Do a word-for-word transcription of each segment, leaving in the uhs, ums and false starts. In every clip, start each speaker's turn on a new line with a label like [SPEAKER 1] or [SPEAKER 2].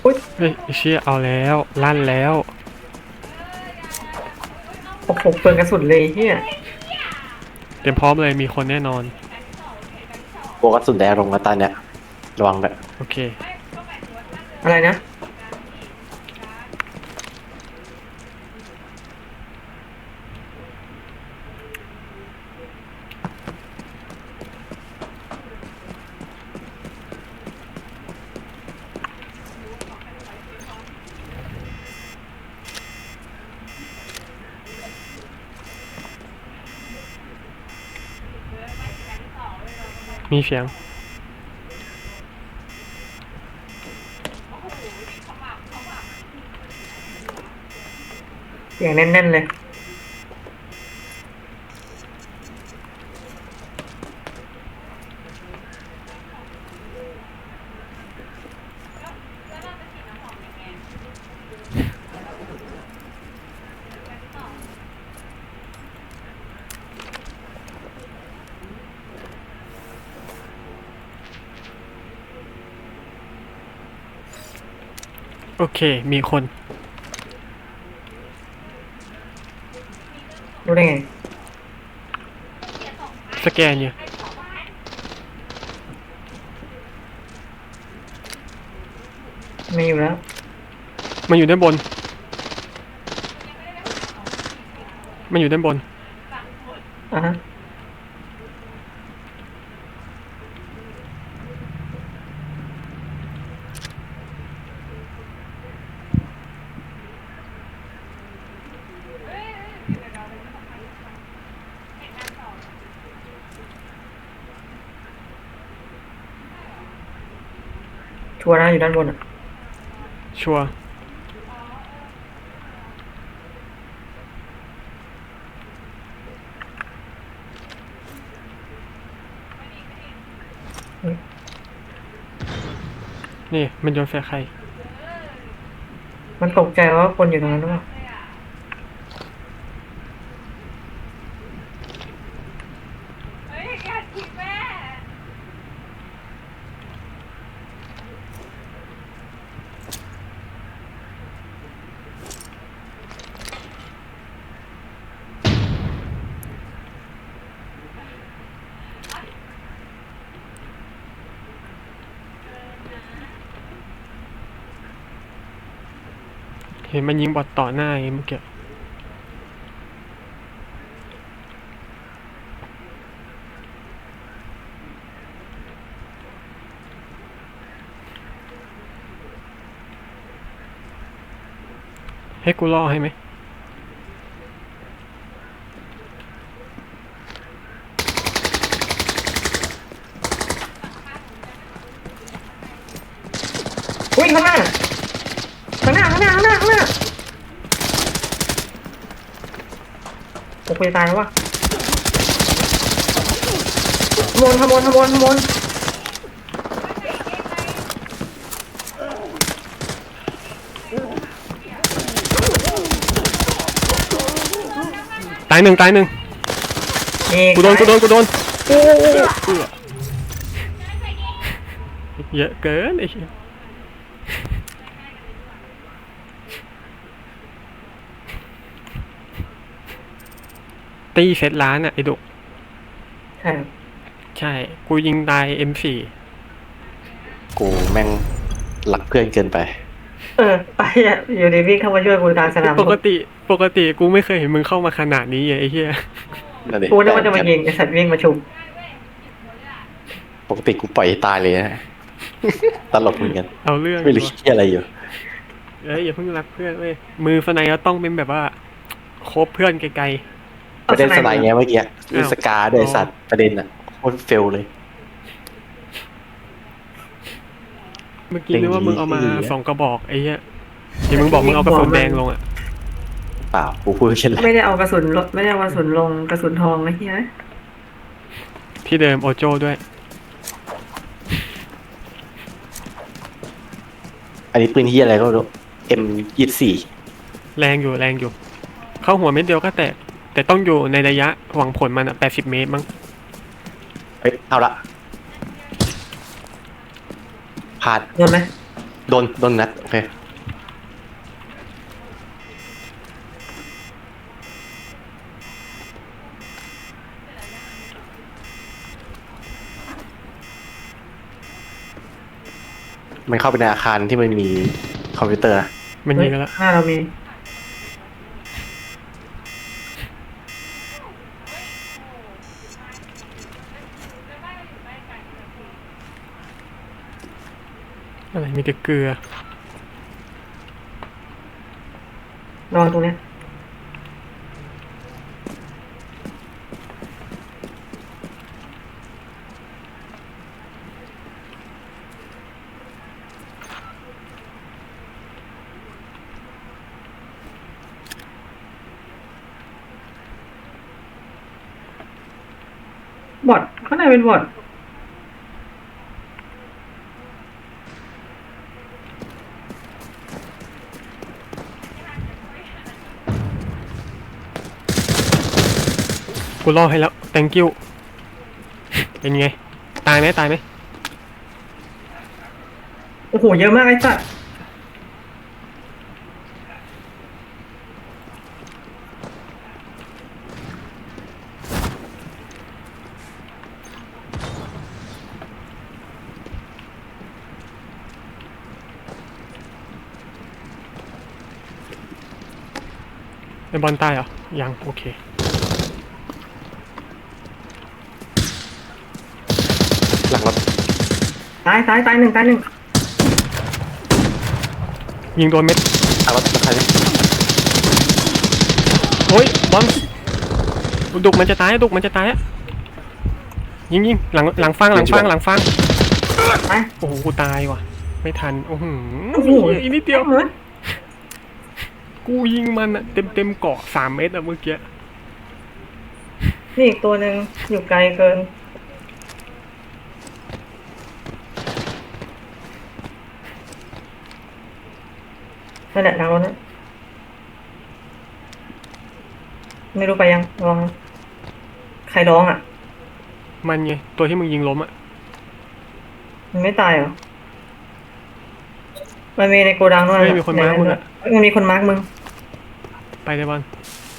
[SPEAKER 1] อุ้ย
[SPEAKER 2] เฮ้ยเชี่ยเอาแล้วลั่นแล้ว
[SPEAKER 1] โอ้โหเปลืองกระสุนเลยเฮีย
[SPEAKER 2] เตรียมพร้อมเลยมีคนแน่นอน
[SPEAKER 3] โบกกระสุนแดงลงมาตาเนี่ยระวังแบบ
[SPEAKER 2] โอเค
[SPEAKER 1] อะไรนะ
[SPEAKER 2] มีเสียง
[SPEAKER 1] อย่างแน่นๆเลย
[SPEAKER 2] โอเคมีคน
[SPEAKER 1] รู้ได้ไง
[SPEAKER 2] สแกนอยู่
[SPEAKER 1] ไม่อยู่แล้ว
[SPEAKER 2] มันอยู่ด้านบนมันอยู่ด้านบน
[SPEAKER 1] อ่ะฮะชัวร์นะอยู่ด้านบนอ่ะ
[SPEAKER 2] ชัวร์นี่มันโยนแฟร์ใคร
[SPEAKER 1] มันตกใจว่าคนอยู่ตรงนั้นหรือเปล่า
[SPEAKER 2] เห็นมันยิงบอทต่อหน้าไงเมื่อกี้ให้กูล่อให้ไหม
[SPEAKER 1] อุ้ยข้างหน้าข้างหน้าข้างหน้าข้างหน้าข้างหน้าโอ้กูจะตายแล้ววะขโมยขโมยขโมยขโมย
[SPEAKER 2] ตายหนึ่งตายหนึ่ง
[SPEAKER 1] นี่
[SPEAKER 2] กูโดนกูโดนกูโดน
[SPEAKER 1] โอ้
[SPEAKER 2] เยอะเกินไอ้เหี้ยตีเซตล้านอ่ะไอ้ดุ
[SPEAKER 1] ใช่
[SPEAKER 2] ใช่กูยิงตาย เอ็ม โฟร์
[SPEAKER 3] กูแม่งรักเพื่อนเกินไป
[SPEAKER 1] เออไปอ่ะอยู่ดีวิ่งเข้ามาช่วยกูกลางสนาม
[SPEAKER 2] ปกติปกติกูไม่เคยเห็นมึงเข้ามาขนาดนี้ไอ้เหี้ย
[SPEAKER 3] นั่นดิ
[SPEAKER 1] กูนึกว่าจะมายิงไอ้สัตว์วิ่งมาชุม
[SPEAKER 3] ปกติกูปล่อยให้ตายเลยนะตลกเหมือนกัน
[SPEAKER 2] เอาเรื่อง
[SPEAKER 3] ไม่รู้คิดอะไรอยู่
[SPEAKER 2] เอ้ยอย่าเพิ่งรักเพื่อนเว้ยมือสไนก็ต้องเป็นแบบว่าคบเพื่อนไกล
[SPEAKER 3] ประเด็นสไนเงี้ยเมื่อกี้มีสกาด้วยสัตว์ประเด็นอ่ะโคตรเฟลเลย
[SPEAKER 2] ๆเมื่อกี้นึกว่ามึงเอามาสองกระบอกไอ้เหี้ยที่มึงบอกมึงเอากระสุนแดงลงอ่ะ
[SPEAKER 3] เปล่ากูพูดเช่นไร
[SPEAKER 1] ไม่ได้เอากระสุนลดไม่ได้เอากระสุนลงกระสุนทองไอ้เหี้ย
[SPEAKER 2] ที่เดิมโอโจ้ด้วย
[SPEAKER 3] อันนี้ปืนที่อะไรก็ไม่รู้ เอ็ม ยี่สิบสี่
[SPEAKER 2] แรงอยู่แรงอยู่เข้าหัวเม็ดเดียวก็แตกแต่ต้องอยู่ในระยะหวังผลมันอ่ะแปดสิบเมตรมั้ง
[SPEAKER 3] เฮ้ยเอาละพลาด
[SPEAKER 1] โดนไหม
[SPEAKER 3] โดนโดนนัดโอเคมันเข้าไปในอาคารที่มันมีคอมพิวเตอร์
[SPEAKER 2] มัน
[SPEAKER 1] เฮ้
[SPEAKER 2] ยิ
[SPEAKER 1] ย
[SPEAKER 2] งกันแล้ว
[SPEAKER 1] หน้าเรามี
[SPEAKER 2] อะไรมีแต่เกลือ
[SPEAKER 1] ระวังตรงเนี้ย บอทข้างในเป็นบอท
[SPEAKER 2] กูล่อให้แล้ว thank you เป็นไง ตายไหมตายไหม
[SPEAKER 1] โอ้โหเยอะมากไอ้สัตว์
[SPEAKER 2] ในบอลตายเหรอ ยังโอเค
[SPEAKER 3] หลังรถ
[SPEAKER 1] ตายตายตายหนึ่งตายหนึ่ง
[SPEAKER 2] ยิงโดนเม็ด
[SPEAKER 3] หลังรถใครเนี่ย
[SPEAKER 2] โอ้ยบอลดุกมันจะตายดุกมันจะตายอะยิงยิงหลังหลังฟังหลังฟังหลังฟัง
[SPEAKER 1] ตาย
[SPEAKER 2] โอ้โหกูตายว่ะ ไม่ทันโอ้โห
[SPEAKER 1] โอ้โห
[SPEAKER 2] อีกนิดเดียว
[SPEAKER 1] เหมือน
[SPEAKER 2] กูยิงมันอะเต็มเต็มเกาะสามเมตรอะเมื่อกี้
[SPEAKER 1] นี่อีกตัวหนึ่งอยู่ไกลเกินนั่นแหละทางรถนะไม่รู้ไปยังลองนะใครร้องอ่ะ
[SPEAKER 2] มันไงตัวที่มึงยิงล้มอะ
[SPEAKER 1] มันไม่ตายเหรอ มันมีในโกดังด้วย
[SPEAKER 2] เฮ้ยมีคนมาร์คมึงอะ
[SPEAKER 1] มันมีคนมาร์กมึง
[SPEAKER 2] ไปเลยบอล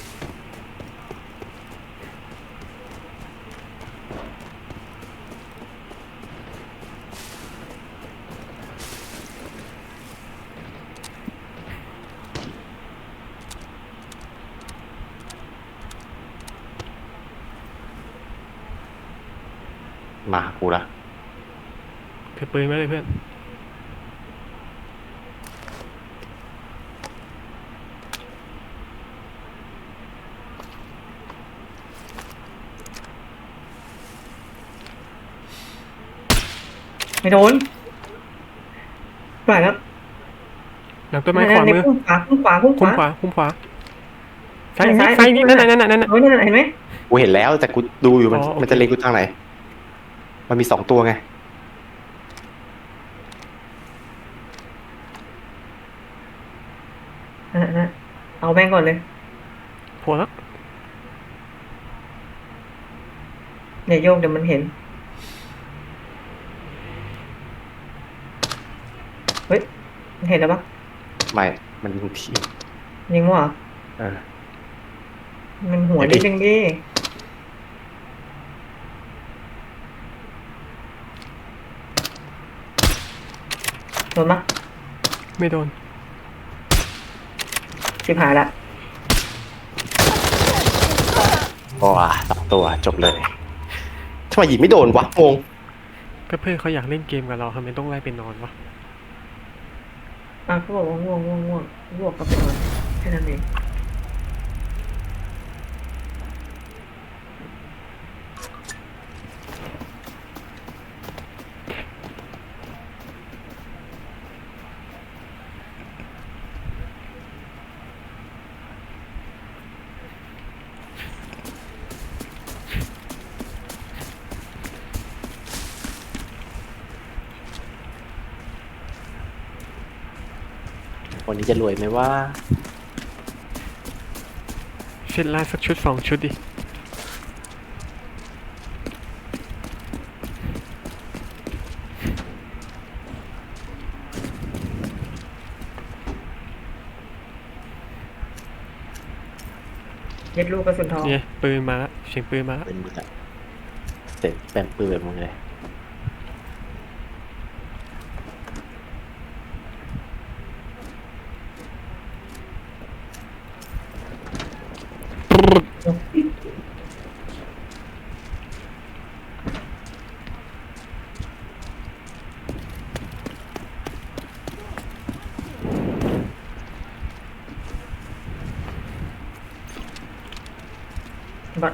[SPEAKER 3] มากูละ
[SPEAKER 2] ถือปืนไว้เลยเพื่อน
[SPEAKER 1] ไม่โดนปล่อยแล้ว
[SPEAKER 2] หลังต้นไม้ขวามือ
[SPEAKER 1] พุ่งขวาพุ่งขวาพุ่งข
[SPEAKER 2] คุ้ม
[SPEAKER 1] วา
[SPEAKER 2] ขวาคุ้มขวาซ้าย
[SPEAKER 1] ซ้าย
[SPEAKER 2] ซ้ายนี่
[SPEAKER 1] ซ้า
[SPEAKER 2] นั่
[SPEAKER 1] ย
[SPEAKER 2] นน่ะนั่นน่ะนั่นน่ะ
[SPEAKER 1] เฮ้ยนั่นน่ะเห็นไหม
[SPEAKER 3] กูเห็นแล้วแต่กูดูอยู่มัน
[SPEAKER 2] อ๋อโอเค
[SPEAKER 3] มันจะเล็งกูทางไหน มันมีสองตัวไง
[SPEAKER 1] นั่นน่ะนั่นน่ะเอาแม่งก่อนเลย
[SPEAKER 2] โผล่แล้ว
[SPEAKER 1] อย่าโยกเดี๋ยวมันเห็น เฮ้ยมันเห็นแล้วปะ
[SPEAKER 3] ไม่มันยิงที
[SPEAKER 1] ยิงวะ
[SPEAKER 3] เออ
[SPEAKER 1] มันหัว
[SPEAKER 3] เดี๋
[SPEAKER 1] นิ
[SPEAKER 3] ยว
[SPEAKER 1] ด
[SPEAKER 3] ดิ
[SPEAKER 1] นึงดิโดนปะ
[SPEAKER 2] ไม่โดน
[SPEAKER 1] สิบหายละ
[SPEAKER 3] ว้าสองตัวจบเลยทำไมยิงไม่โดนวะงง
[SPEAKER 2] เพื่อนๆเขาอยากเล่นเกมกับเราทำไมต้องไล่ไปนอนวะ
[SPEAKER 1] อ่ะเขาบอกว่าง่วงง่วงง่วงง่วงก็ไปนอนแค่นั้นเอง
[SPEAKER 3] วันนี้จะรวยไหมว่า
[SPEAKER 2] เช็ดลาดสักชุดสองชุดดิ
[SPEAKER 1] ย็ดลูกกระสุนทอง
[SPEAKER 2] เนี่ยปืนมาละเสียงปืนมาละ
[SPEAKER 3] เป็นมึงอะเสร็จแปมปืนแบบมึงเลย
[SPEAKER 1] บัตร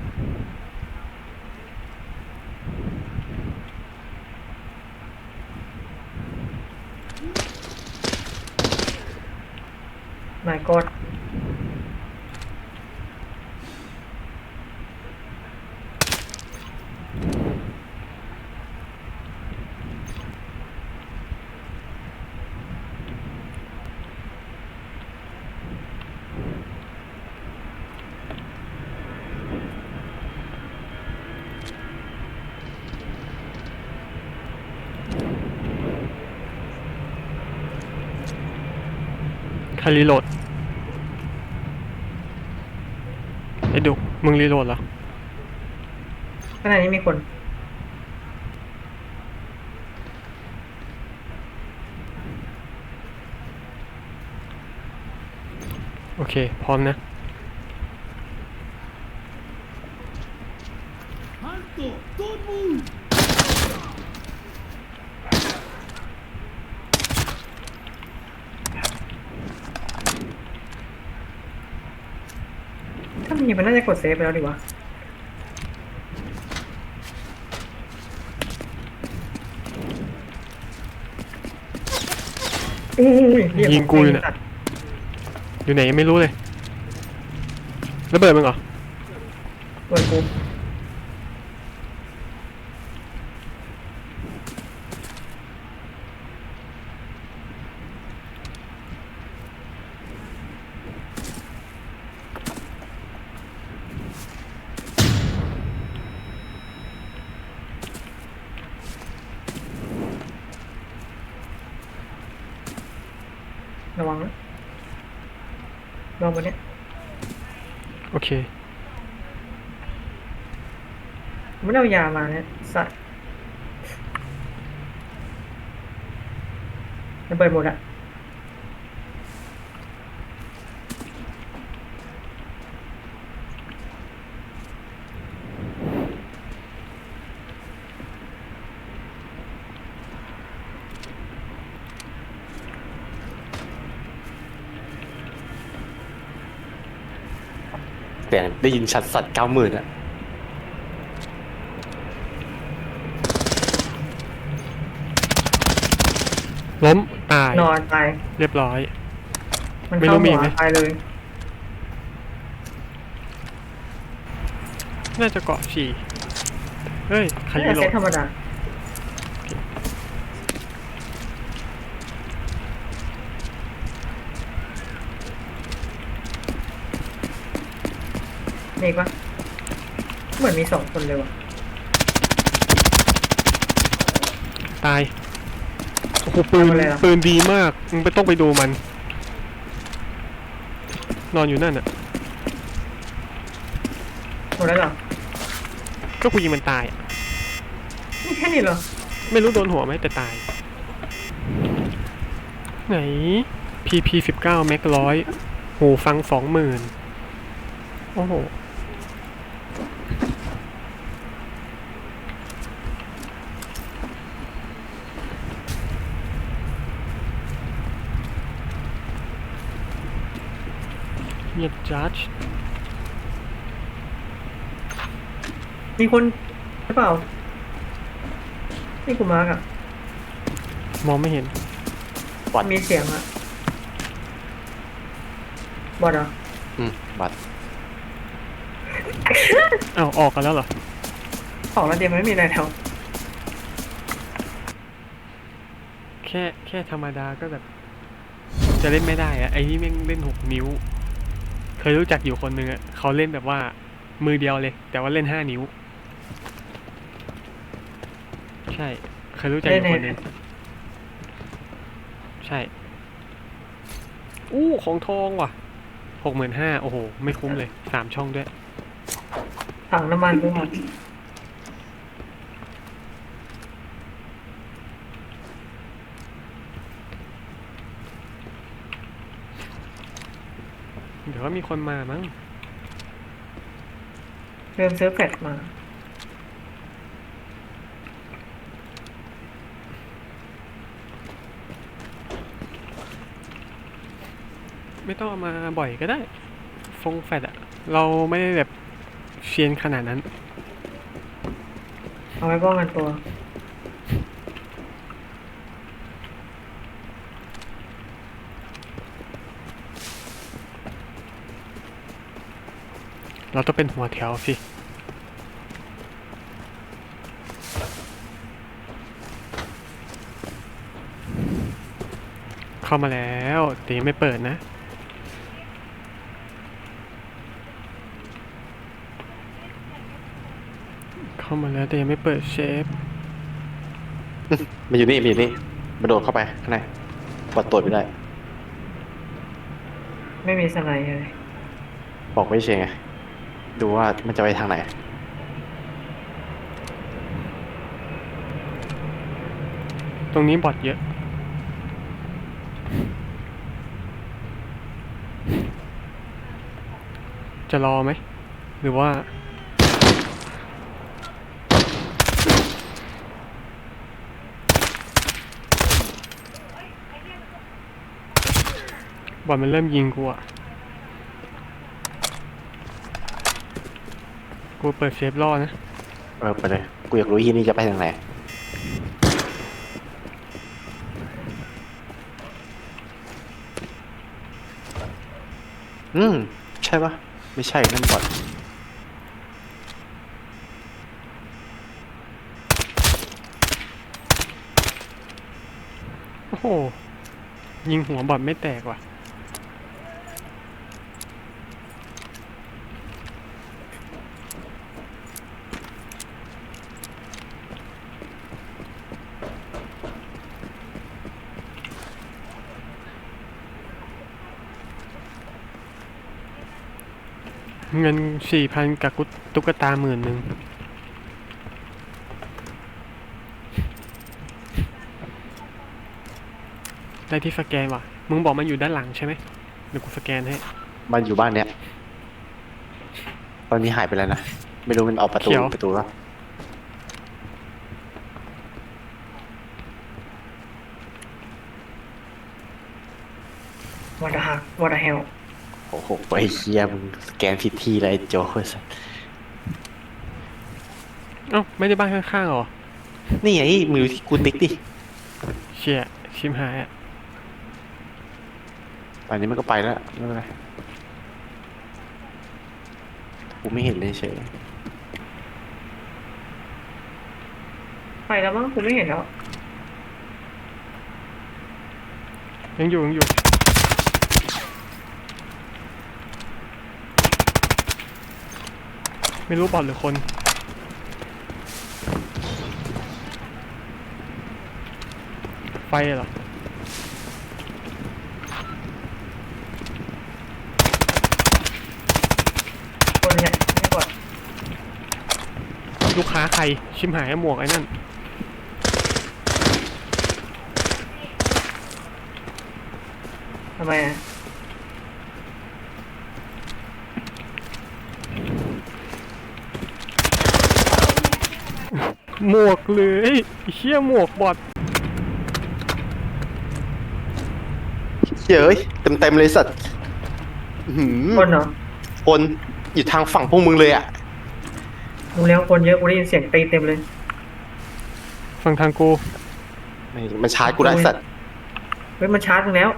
[SPEAKER 1] นายกอด
[SPEAKER 2] ใครรีโหลดไอ้ดุมึงรีโหลดเหรอ
[SPEAKER 1] ขณะนี้มีคน
[SPEAKER 2] โอเค พร้อมนะ
[SPEAKER 4] Alto! Don't move!
[SPEAKER 1] ถ้ามีมันน่าจะกดเซฟไปแล้วดีวะอุ้ยเหี้
[SPEAKER 2] ยิงกูอยู่เนี่ย
[SPEAKER 1] สัตว์
[SPEAKER 2] อยู่ไหนยังไม่รู้เลยระเบิดมึงเหรอ
[SPEAKER 1] เปิดกู ระวังนะลองมาเนี่ย
[SPEAKER 2] โอเค
[SPEAKER 1] ไม่ได้เอายามาเนี่ยสัตว์ระเบิดหมดอะ
[SPEAKER 3] แต่ได้ยินชัดสัตว์เก้าหมื่นอะ
[SPEAKER 2] ล้มตาย
[SPEAKER 1] นอนตาย
[SPEAKER 2] เรียบร้อย
[SPEAKER 1] มัน
[SPEAKER 2] ไม่รู้
[SPEAKER 1] เข้า
[SPEAKER 2] มี
[SPEAKER 1] หัว
[SPEAKER 2] ไหม
[SPEAKER 1] ตายเลย
[SPEAKER 2] น่าจะเกาะฉี่เฮ้ย ใคร
[SPEAKER 1] น่า
[SPEAKER 2] รี
[SPEAKER 1] จะ
[SPEAKER 2] โหล
[SPEAKER 1] เซ
[SPEAKER 2] ด
[SPEAKER 1] ตธรรมดามีอีกปะเหมือนมีสองคนเลยว่ะ
[SPEAKER 2] ตาย โอ้โหปืน
[SPEAKER 1] ทำอะไรล่ะ
[SPEAKER 2] ปืนดีมาก มึงไปต้องไปดูมัน นอนอยู่นั่นอ่ะ
[SPEAKER 1] หมดแล้วเหรอ
[SPEAKER 2] ก็กูยิงมันตายอะ
[SPEAKER 1] นี่แค่นี้เหรอ
[SPEAKER 2] ไม่รู้โดนหัวไหมแต่ตาย ไหน พี พี สิบเก้า แม็กร้อยหูฟังสองหมื่นโอ้โห เงียบจัด
[SPEAKER 1] มีคนหรือเปล่านี่กูมาร์กอะ
[SPEAKER 2] มองไม่เห็น
[SPEAKER 3] บอด
[SPEAKER 1] มีเสียงอะบอดเหรอ
[SPEAKER 3] อืมบัตร
[SPEAKER 2] อ้าว ออกกันแล้วเหรอ
[SPEAKER 1] ของเราเดียวมันไม่มีอะไรแล้ว
[SPEAKER 2] แค่แค่ธรรมดาก็แบบ จะเล่นไม่ได้อะไอ้นี่แม่งเล่นหกนิ้ว เคยรู้จักอยู่คนหนึ่งอะเขาเล่นแบบว่า มือเดียวเลย แต่ว่าเล่นห้านิ้ว ใช่ เคยรู้จักอยู่คนหนึ่งใช่ อู้ของทองว่ะหกหมื่นห้าโอ้โห ไม่คุ้มเลยสามช่องด้วย
[SPEAKER 1] ถังน้ำมันด้วยค่ะ
[SPEAKER 2] เดี๋ยวก็มีคนมามั้ง
[SPEAKER 1] เริ่มซื้อแฟลชมา
[SPEAKER 2] ไม่ต้องเอามาบ่อยก็ได้ ฟงแฟดอะเราไม่ได้แบบเชียนขนาดนั้น
[SPEAKER 1] เอาไว้ป้องกันตัว
[SPEAKER 2] เราต้องเป็นหัวแถวสิ เข้ามาแล้วแต่ยังไม่เปิดนะ เข้ามาแล้วแต่ยังไม่เปิดเชฟ
[SPEAKER 3] มันอยู่นี่มันอยู่นี่มันโดดเข้าไปข้างในปลดตัวไม่ได้
[SPEAKER 1] ไม่มีสไนด์เลย
[SPEAKER 3] บอกไม่ใช่ไงดูว่ามันจะไปทางไหน
[SPEAKER 2] ตรงนี้บอทเยอะ จะรอไหม หรือว่า บอทมันเริ่มยิงกูอะกูเปิดเซฟรอนะ
[SPEAKER 3] เออไปเลยกูอยากรู้ที่นี่จะไปทางไหนอืมใช่ปะไม่ใช่นั่นบอด
[SPEAKER 2] โอ้โห ยิงหัวบอทไม่แตกว่ะ เงินสี่พันกับกุตุ๊กตาหมื่นหนึ่งได้ที่สแกนว่ะ มึงบอกมันอยู่ด้านหลังใช่ไหมเดี๋ยวกูสแกนให้
[SPEAKER 3] มันอยู่บ้านเนี้ยตอนนี้หายไปแล้วนะไม่รู้มันออกประตู
[SPEAKER 2] เขียว
[SPEAKER 3] ประตูแล้ว
[SPEAKER 1] วอเตอร์ฮักวอเตอร์เฮล
[SPEAKER 3] โอ้โหไอ้เคียมึงสแกนผิดที่เลยไอ้โจ้สัส
[SPEAKER 2] เอ้าไม่ได้บ้านข้างๆเหรอ
[SPEAKER 3] นี่ไงมือที่กูติ๊กดิ
[SPEAKER 2] เชี่ยชิมหายอ่ะ
[SPEAKER 3] ป่านนี้มันก็ไปแล้วไม่เป็นไรกูไม่เห็นเลยเฉย
[SPEAKER 1] ไปแล้วมั้งกูไม่เห็นแล้ว
[SPEAKER 2] ยังอยู่ยังอยู่ ไม่รู้บอทหรือคน ไฟเหรอ
[SPEAKER 1] คนเนี่ยไม่กด
[SPEAKER 2] ลูกค้าใคร ชิมหายหมวกไอ้นั่น
[SPEAKER 1] ทำไมอ่ะ
[SPEAKER 2] หมวกเลยไอ้เชี่ยหมวกบอท
[SPEAKER 3] เฮ้ยเต็มเต็มๆเลยสัตว์อื้อหือ
[SPEAKER 1] คนเหรอ
[SPEAKER 3] คนอยู่ทางฝั่งพวกมึงเลยอ่ะ
[SPEAKER 1] ดูแล้วคนเยอะกูได้ยินเสียงตีเต็มเลย
[SPEAKER 2] ฟังทางกู
[SPEAKER 3] ไม่มันชาร์จกูได้สัตว์
[SPEAKER 1] เฮ้ยมันชาร์จมึงแล้ว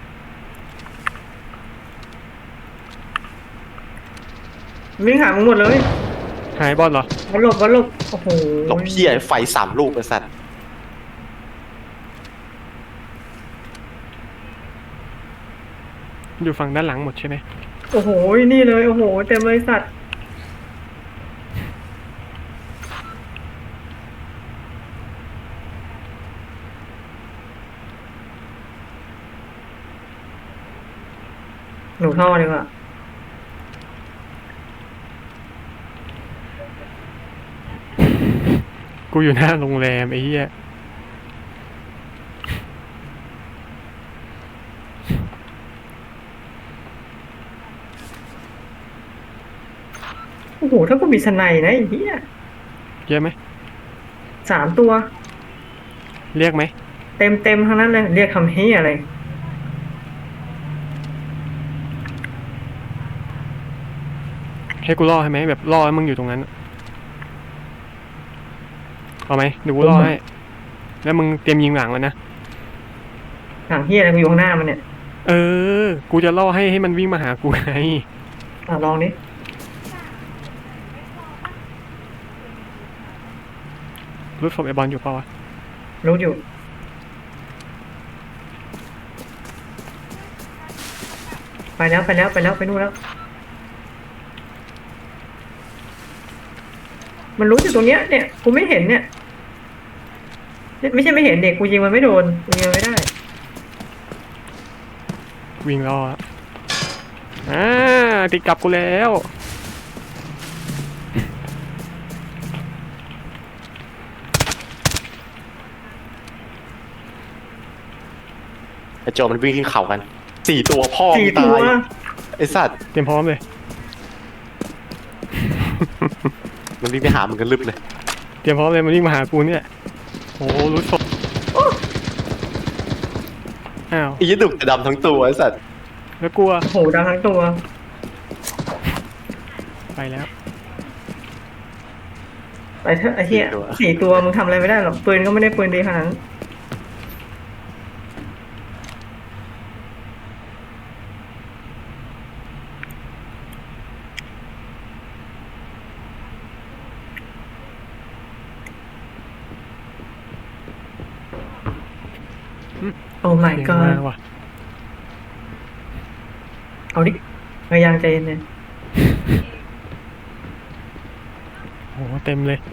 [SPEAKER 1] วิ่งหามึงหมดเลย
[SPEAKER 2] หายบอทเหรอ
[SPEAKER 1] วันหลบวันหลบโอ้โห
[SPEAKER 3] หลบเพี้ยไฟสามลูกไอ้สัตว์
[SPEAKER 2] อยู่ฝั่งด้านหลังหมดใช่ไหม
[SPEAKER 1] โอ้โหนี่เลยโอ้โหเต็มเลยสัตว์ หนูท่อดีกว่า
[SPEAKER 2] กูอยู่หน้าโรงแรมไอ้เหี้ย
[SPEAKER 1] โอ้โหถ้ากูมีสไนด์นะไอ้เหี้ย
[SPEAKER 2] เยอะไหม
[SPEAKER 1] สามตัว
[SPEAKER 2] เรียกไหม
[SPEAKER 1] เต็มเต็มทั้งนั้นเลยเรียกคำเฮียอะไร
[SPEAKER 2] ให้กูล่อให้ไหมแบบล่อให้มึงอยู่ตรงนั้นเอาไหมเดี๋ยวกูล่อให้แล้วมึงเตรียมยิงหลังแล้วนะ
[SPEAKER 1] หลังเฮียอะไรกูอยู่ข้างหน้ามันเนี่ย
[SPEAKER 2] เออ กูจะล่อให้ให้มันวิ่งมาหากูไง
[SPEAKER 1] อ่ะลองดิ
[SPEAKER 2] รู้ศพไอบอลอยู่เปล่าวะ
[SPEAKER 1] รู้อยู่ ไปแล้วไปแล้วไปแล้วไปนู่นแล้ว มันรู้อยู่ตรงเนี้ยเนี่ยกูไม่เห็นเนี่ย ไม่ใช่ไม่เห็นเด็กกูยิงมันไม่โดนกูยิงมันไม่ได้
[SPEAKER 2] วิ่งล่ออะอ่าติดกลับกูแล้ว
[SPEAKER 3] ไอ้โจมันวิ่งขึ้นเขากันสี่ตัวพ่อ
[SPEAKER 1] สี่
[SPEAKER 3] มึง
[SPEAKER 1] ตั
[SPEAKER 3] ตายว ไอ้สัตว์
[SPEAKER 2] เตรียมพร้อมเลย
[SPEAKER 3] มันวิ่งไปหามึงกันลึบเลย
[SPEAKER 2] เตรียมพร้อมเลยมันวิ่งมาหากูเนี่ยโอ้รู้ศพอ้าว
[SPEAKER 3] ไอ้ยี่ดุกจะดำทั้งตัวไอ้สัตว์
[SPEAKER 2] แล้วกลัว
[SPEAKER 1] โอ้โหดังทั้งตัว
[SPEAKER 2] ไปแล้ว
[SPEAKER 1] ไปเถอะไอ้เหี้ยสี่ตัวมึงทำอะไรไม่ได้หรอกปืนก็ไม่ได้ปืนดีขนาดนั้น โอ้ my
[SPEAKER 2] เสียง
[SPEAKER 1] god
[SPEAKER 2] มาว่ะ
[SPEAKER 1] เอาดิพยายามใจเย็นเลย
[SPEAKER 2] โหเต็มเลย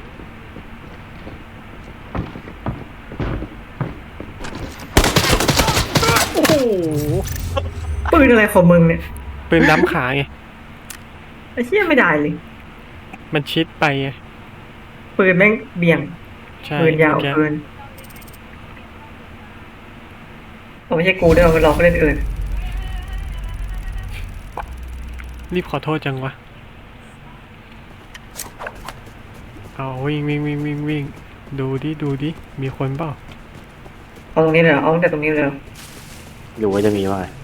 [SPEAKER 2] โอ้โห
[SPEAKER 1] ปืนอะไรของมึงเนี่ย
[SPEAKER 2] ปืนดำขาไง
[SPEAKER 1] ไอ้เหี้ยไม่ได้เลย
[SPEAKER 2] มันชิดไปไง
[SPEAKER 1] ปืนแม่งเบี่ยง
[SPEAKER 2] ใช่
[SPEAKER 1] ปืนยาว
[SPEAKER 2] เมื่อกี้
[SPEAKER 1] เกินผมไม่ใช่กูด้วยมันหลอกเล่นอื่น
[SPEAKER 2] รีบขอโทษจังวะเอาวิ่งวิ่งวิ่งวิ่งวิ่งดูดิดูดิมีคนเปล่า
[SPEAKER 1] เอาตรงนี้เลยเหรอเอาตั้งแต่ตรงนี้เลยเหรอ
[SPEAKER 3] หรือว่าจะมีว่าไง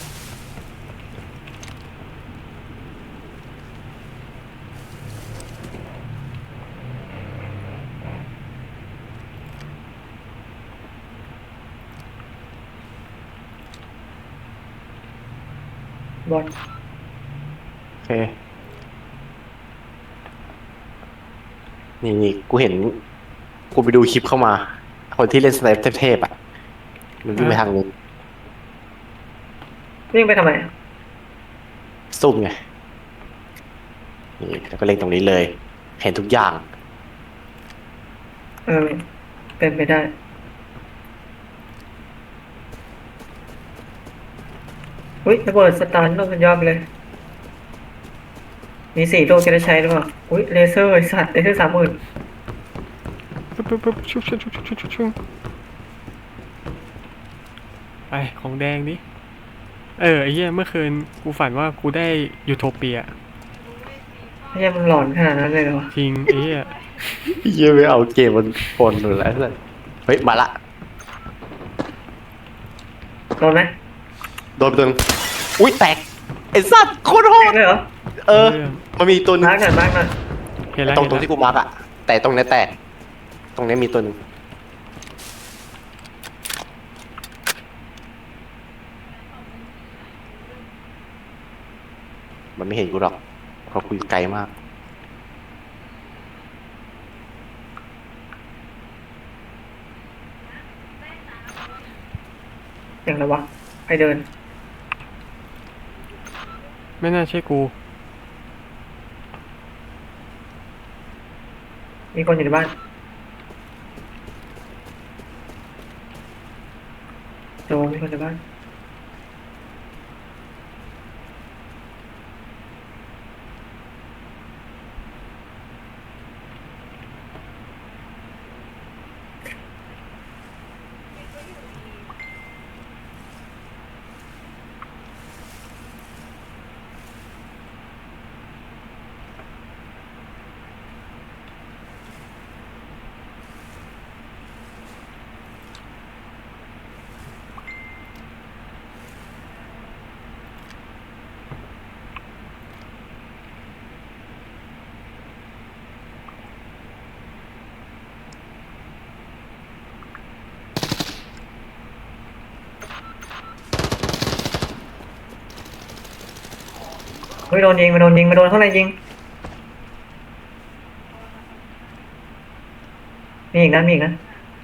[SPEAKER 1] บอล
[SPEAKER 3] โอเคนี่นี่กูเห็นกูไปดูคลิปเข้ามา คนที่เล่นสไนเปอร์เทพๆอ่ะมันวิ่งไปทางนึง
[SPEAKER 1] วิ่งไปทำไมอะ
[SPEAKER 3] ซุ่มไงนี่แล้วก็เล่นตรงนี้เลย เห็นทุกอย่าง
[SPEAKER 1] เออเป็นไปได้อุ้ยระเบิดสตันโดนมันยอดไปเลย มีสี่ตัวจะได้ใช้หรือเปล่าอุ้ยเลเซอร์ไอ้สัตว์เลเซอร์สามหมื่น
[SPEAKER 2] ปึ๊บปึ๊บปึ๊บชุบชุบชุบชุบชุบชุบชุบไปของแดงดิเออไอ้เหี้ยเมื่อคืนกูฝันว่ากูได้ยูโทเปีย
[SPEAKER 1] ไม่ใช่มันหลอนขนาดนั้นเลยเหรอ
[SPEAKER 2] จริงไอ้เหี้ย
[SPEAKER 3] เยี่ยไม่เอาเกมมันปนหรืออะไรสักเฮ้ย มาละ
[SPEAKER 1] โดนไหม
[SPEAKER 3] โดนไปตัวนึงอุ้ยแตก ไอ้สัตว์โคตรโห
[SPEAKER 1] แต
[SPEAKER 3] ด
[SPEAKER 1] กเลยเหรอ
[SPEAKER 3] เออ มันมีตัวหนึง
[SPEAKER 1] มาร์กหน่อยมาร์กหน่อย
[SPEAKER 2] เห็นแล้ว
[SPEAKER 3] ตรง
[SPEAKER 2] เห็น
[SPEAKER 3] ตรง
[SPEAKER 2] แล้ว
[SPEAKER 3] ที่กูมาร์กอะแต่ตรงเนี้ยแตก ตรงเนี้ยมีตัวหนึ่งมันไม่เห็นกูหรอกเพราะกูอยู่ไกลมาก
[SPEAKER 1] อย่างไรวะใครเดิน
[SPEAKER 2] ไม่น่าใช่กู
[SPEAKER 1] มีคนอยู่ในบ้านโดนมีคนในบ้านไม่โดนยิงไม่โดนยิงไม่โดนข้างในยิงมีอีกนะมีอีกนะ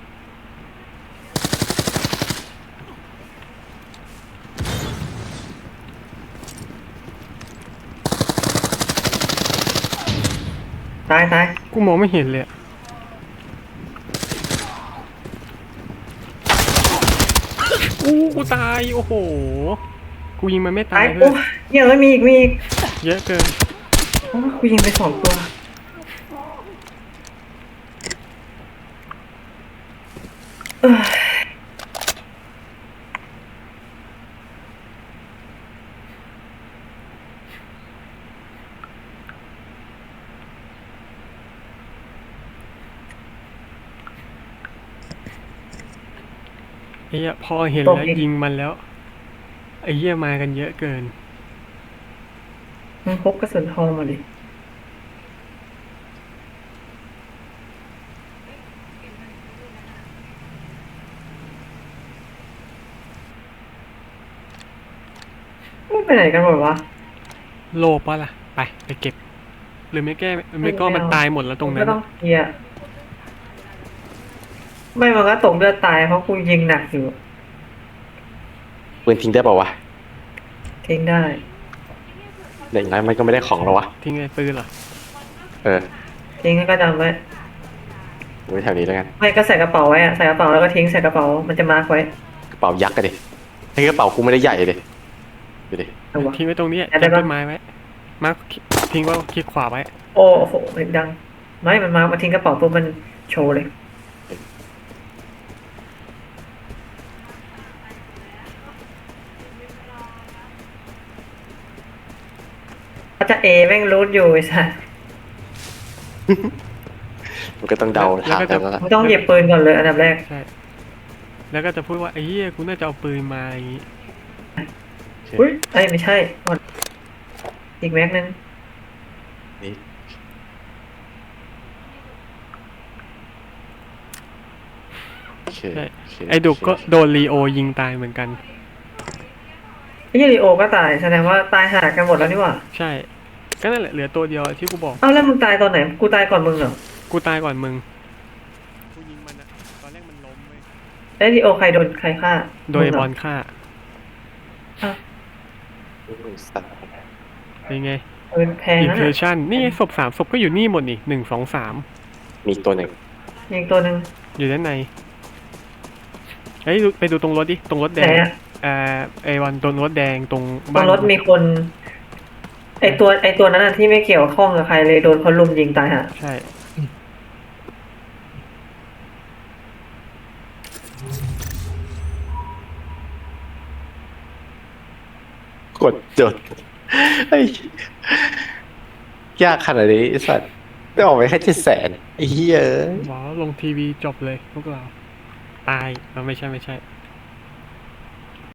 [SPEAKER 1] ตายตาย
[SPEAKER 2] กูมองไม่เห็นเลยอะอู้กูตายโอ้โหกูยิงมันไม่ตา
[SPEAKER 1] ตาย ย
[SPEAKER 2] เล
[SPEAKER 1] โอ้
[SPEAKER 2] ย
[SPEAKER 1] เหี้ยอะมีอีกมีอีก
[SPEAKER 2] เยอะเกิน
[SPEAKER 1] โอ้กูยิงไปสองตัวเอ้ย
[SPEAKER 2] ไอ้เหี้ยพอเห็นแล้วยิงมันแล้วไอ้เหี้ยมากันเยอะเกิน
[SPEAKER 1] มึงพกกระสุนทองมาดิมึงไปไหนกันหมดวะ
[SPEAKER 2] โลปะล่ะไปไปเก็บ หรือไม่แก้ไม่ก็มันตายหมดแล้วตรงนั้
[SPEAKER 1] ก็
[SPEAKER 2] น
[SPEAKER 1] ต้องเคลียร์ไม่มันก็ตกเลือดตายเพราะกูยิงหนักอยู่
[SPEAKER 3] ปืนทิ้งได้เปล่าวะ
[SPEAKER 1] ทิ้งได้
[SPEAKER 3] แต่อย่างนั้นมันก็ไม่ได้ของหรอวะ
[SPEAKER 2] ทิ้งไงปืนเหรอ
[SPEAKER 3] เออ
[SPEAKER 1] ทิ้งก็จำไว้
[SPEAKER 3] ไว้แถวนี้แล้วกัน
[SPEAKER 1] ไม่ก็ใส่กระเป๋าไว้อะใส่กระเป๋าแล้วก็ทิ้งใส่กระเป๋ามันจะมาร์คไว้
[SPEAKER 3] กระเป๋ายักษ์กันดิไอ้กระเป๋ากูไม่ได้ใหญ่เลยดูดิ
[SPEAKER 1] เอาวะ
[SPEAKER 2] ทิ้งไว้ตรงนี้
[SPEAKER 1] ได้
[SPEAKER 2] จับ
[SPEAKER 1] ปะ
[SPEAKER 2] ต้นไม้ไว้มาร์คทิ้งไว่าคลิกขวาไว้
[SPEAKER 1] โอ้โหเสียงดังไม่มันมามาทิ้งกระเป๋าปุ๊บมันโชว์เลยก็จะเอแม่งรูทอยู่ไอ้สัส
[SPEAKER 3] มันก็ต้องเดา
[SPEAKER 2] แล้ว
[SPEAKER 3] ถาม
[SPEAKER 2] ก็
[SPEAKER 3] กั
[SPEAKER 2] จะ
[SPEAKER 3] นแล้วล่ะ
[SPEAKER 1] มึงต้องหยิบปืนก่อนเลยอันดับแรก
[SPEAKER 2] ใช่แล้วก็จะพูดว่าไอ้เหี้ยกูน่าจะเอาปืนมาอะไรอย่างงี้
[SPEAKER 1] อุ้ยไอ้ยไม่ใช่หมดอีกแม็กนึง
[SPEAKER 3] นี่โอเค
[SPEAKER 2] ใช่
[SPEAKER 3] โเค
[SPEAKER 2] ไอ้ดุกก็
[SPEAKER 3] โอเค
[SPEAKER 2] โดนลีโอยิงตายเหมือนกัน
[SPEAKER 1] ไอ้ยูริโอก็ตายแสดงว่าตายหากันหมดแล้วนี่หว่า
[SPEAKER 2] ใช่ก็นั่นแหละเหลือตัวเดียวที่กูบอก
[SPEAKER 1] เอ้าแล้วมึงตายตอนไหนกูตายก่อนมึงเหรอ
[SPEAKER 2] กูตายก่อนมึงกูยิงมันอะตอนแรกมันล้มเว้ย
[SPEAKER 1] ไอ้ยูริโอใครโดนใครฆ่า
[SPEAKER 2] โดย
[SPEAKER 1] มึงเห
[SPEAKER 2] บ
[SPEAKER 1] ร
[SPEAKER 2] อลฆ่า
[SPEAKER 1] อ้าว
[SPEAKER 3] สัตว์
[SPEAKER 2] เป็นไง
[SPEAKER 1] ปืนแพง
[SPEAKER 2] อิน
[SPEAKER 1] นะ
[SPEAKER 2] เทอร์ชันนี่ไงศพสามศพก็อยู่นี่หมดนี่หนึ่งสองสาม
[SPEAKER 3] มีอีกตัวหนึ่ง
[SPEAKER 1] ยิงตัวหนึ่ง
[SPEAKER 2] อยู่ด้านในเฮ้ยดูไปดูตรงรถดิตรงรถแด
[SPEAKER 1] ไหน
[SPEAKER 2] ง
[SPEAKER 1] อะ
[SPEAKER 2] เอ่อไอวันตรงรถแดงตรง
[SPEAKER 1] บ
[SPEAKER 2] บ้าน
[SPEAKER 1] นรถมีคน ไอตัวไอตัวนั้นอะที่ไม่เกี่ยวข้องกับใครเลยโดนคนลุมยิงตายฮะ
[SPEAKER 2] ใช่
[SPEAKER 3] กดจดไอ้ยากขนาดนี้ไอ้สัตว์ได้ออกไปแค่เจ็ดแสนไอ้เหี้ยเอ้ย
[SPEAKER 2] ว้าวลงทีวีจบเลยพวกเรา ตายเราไม่ใช่ไม่ใช่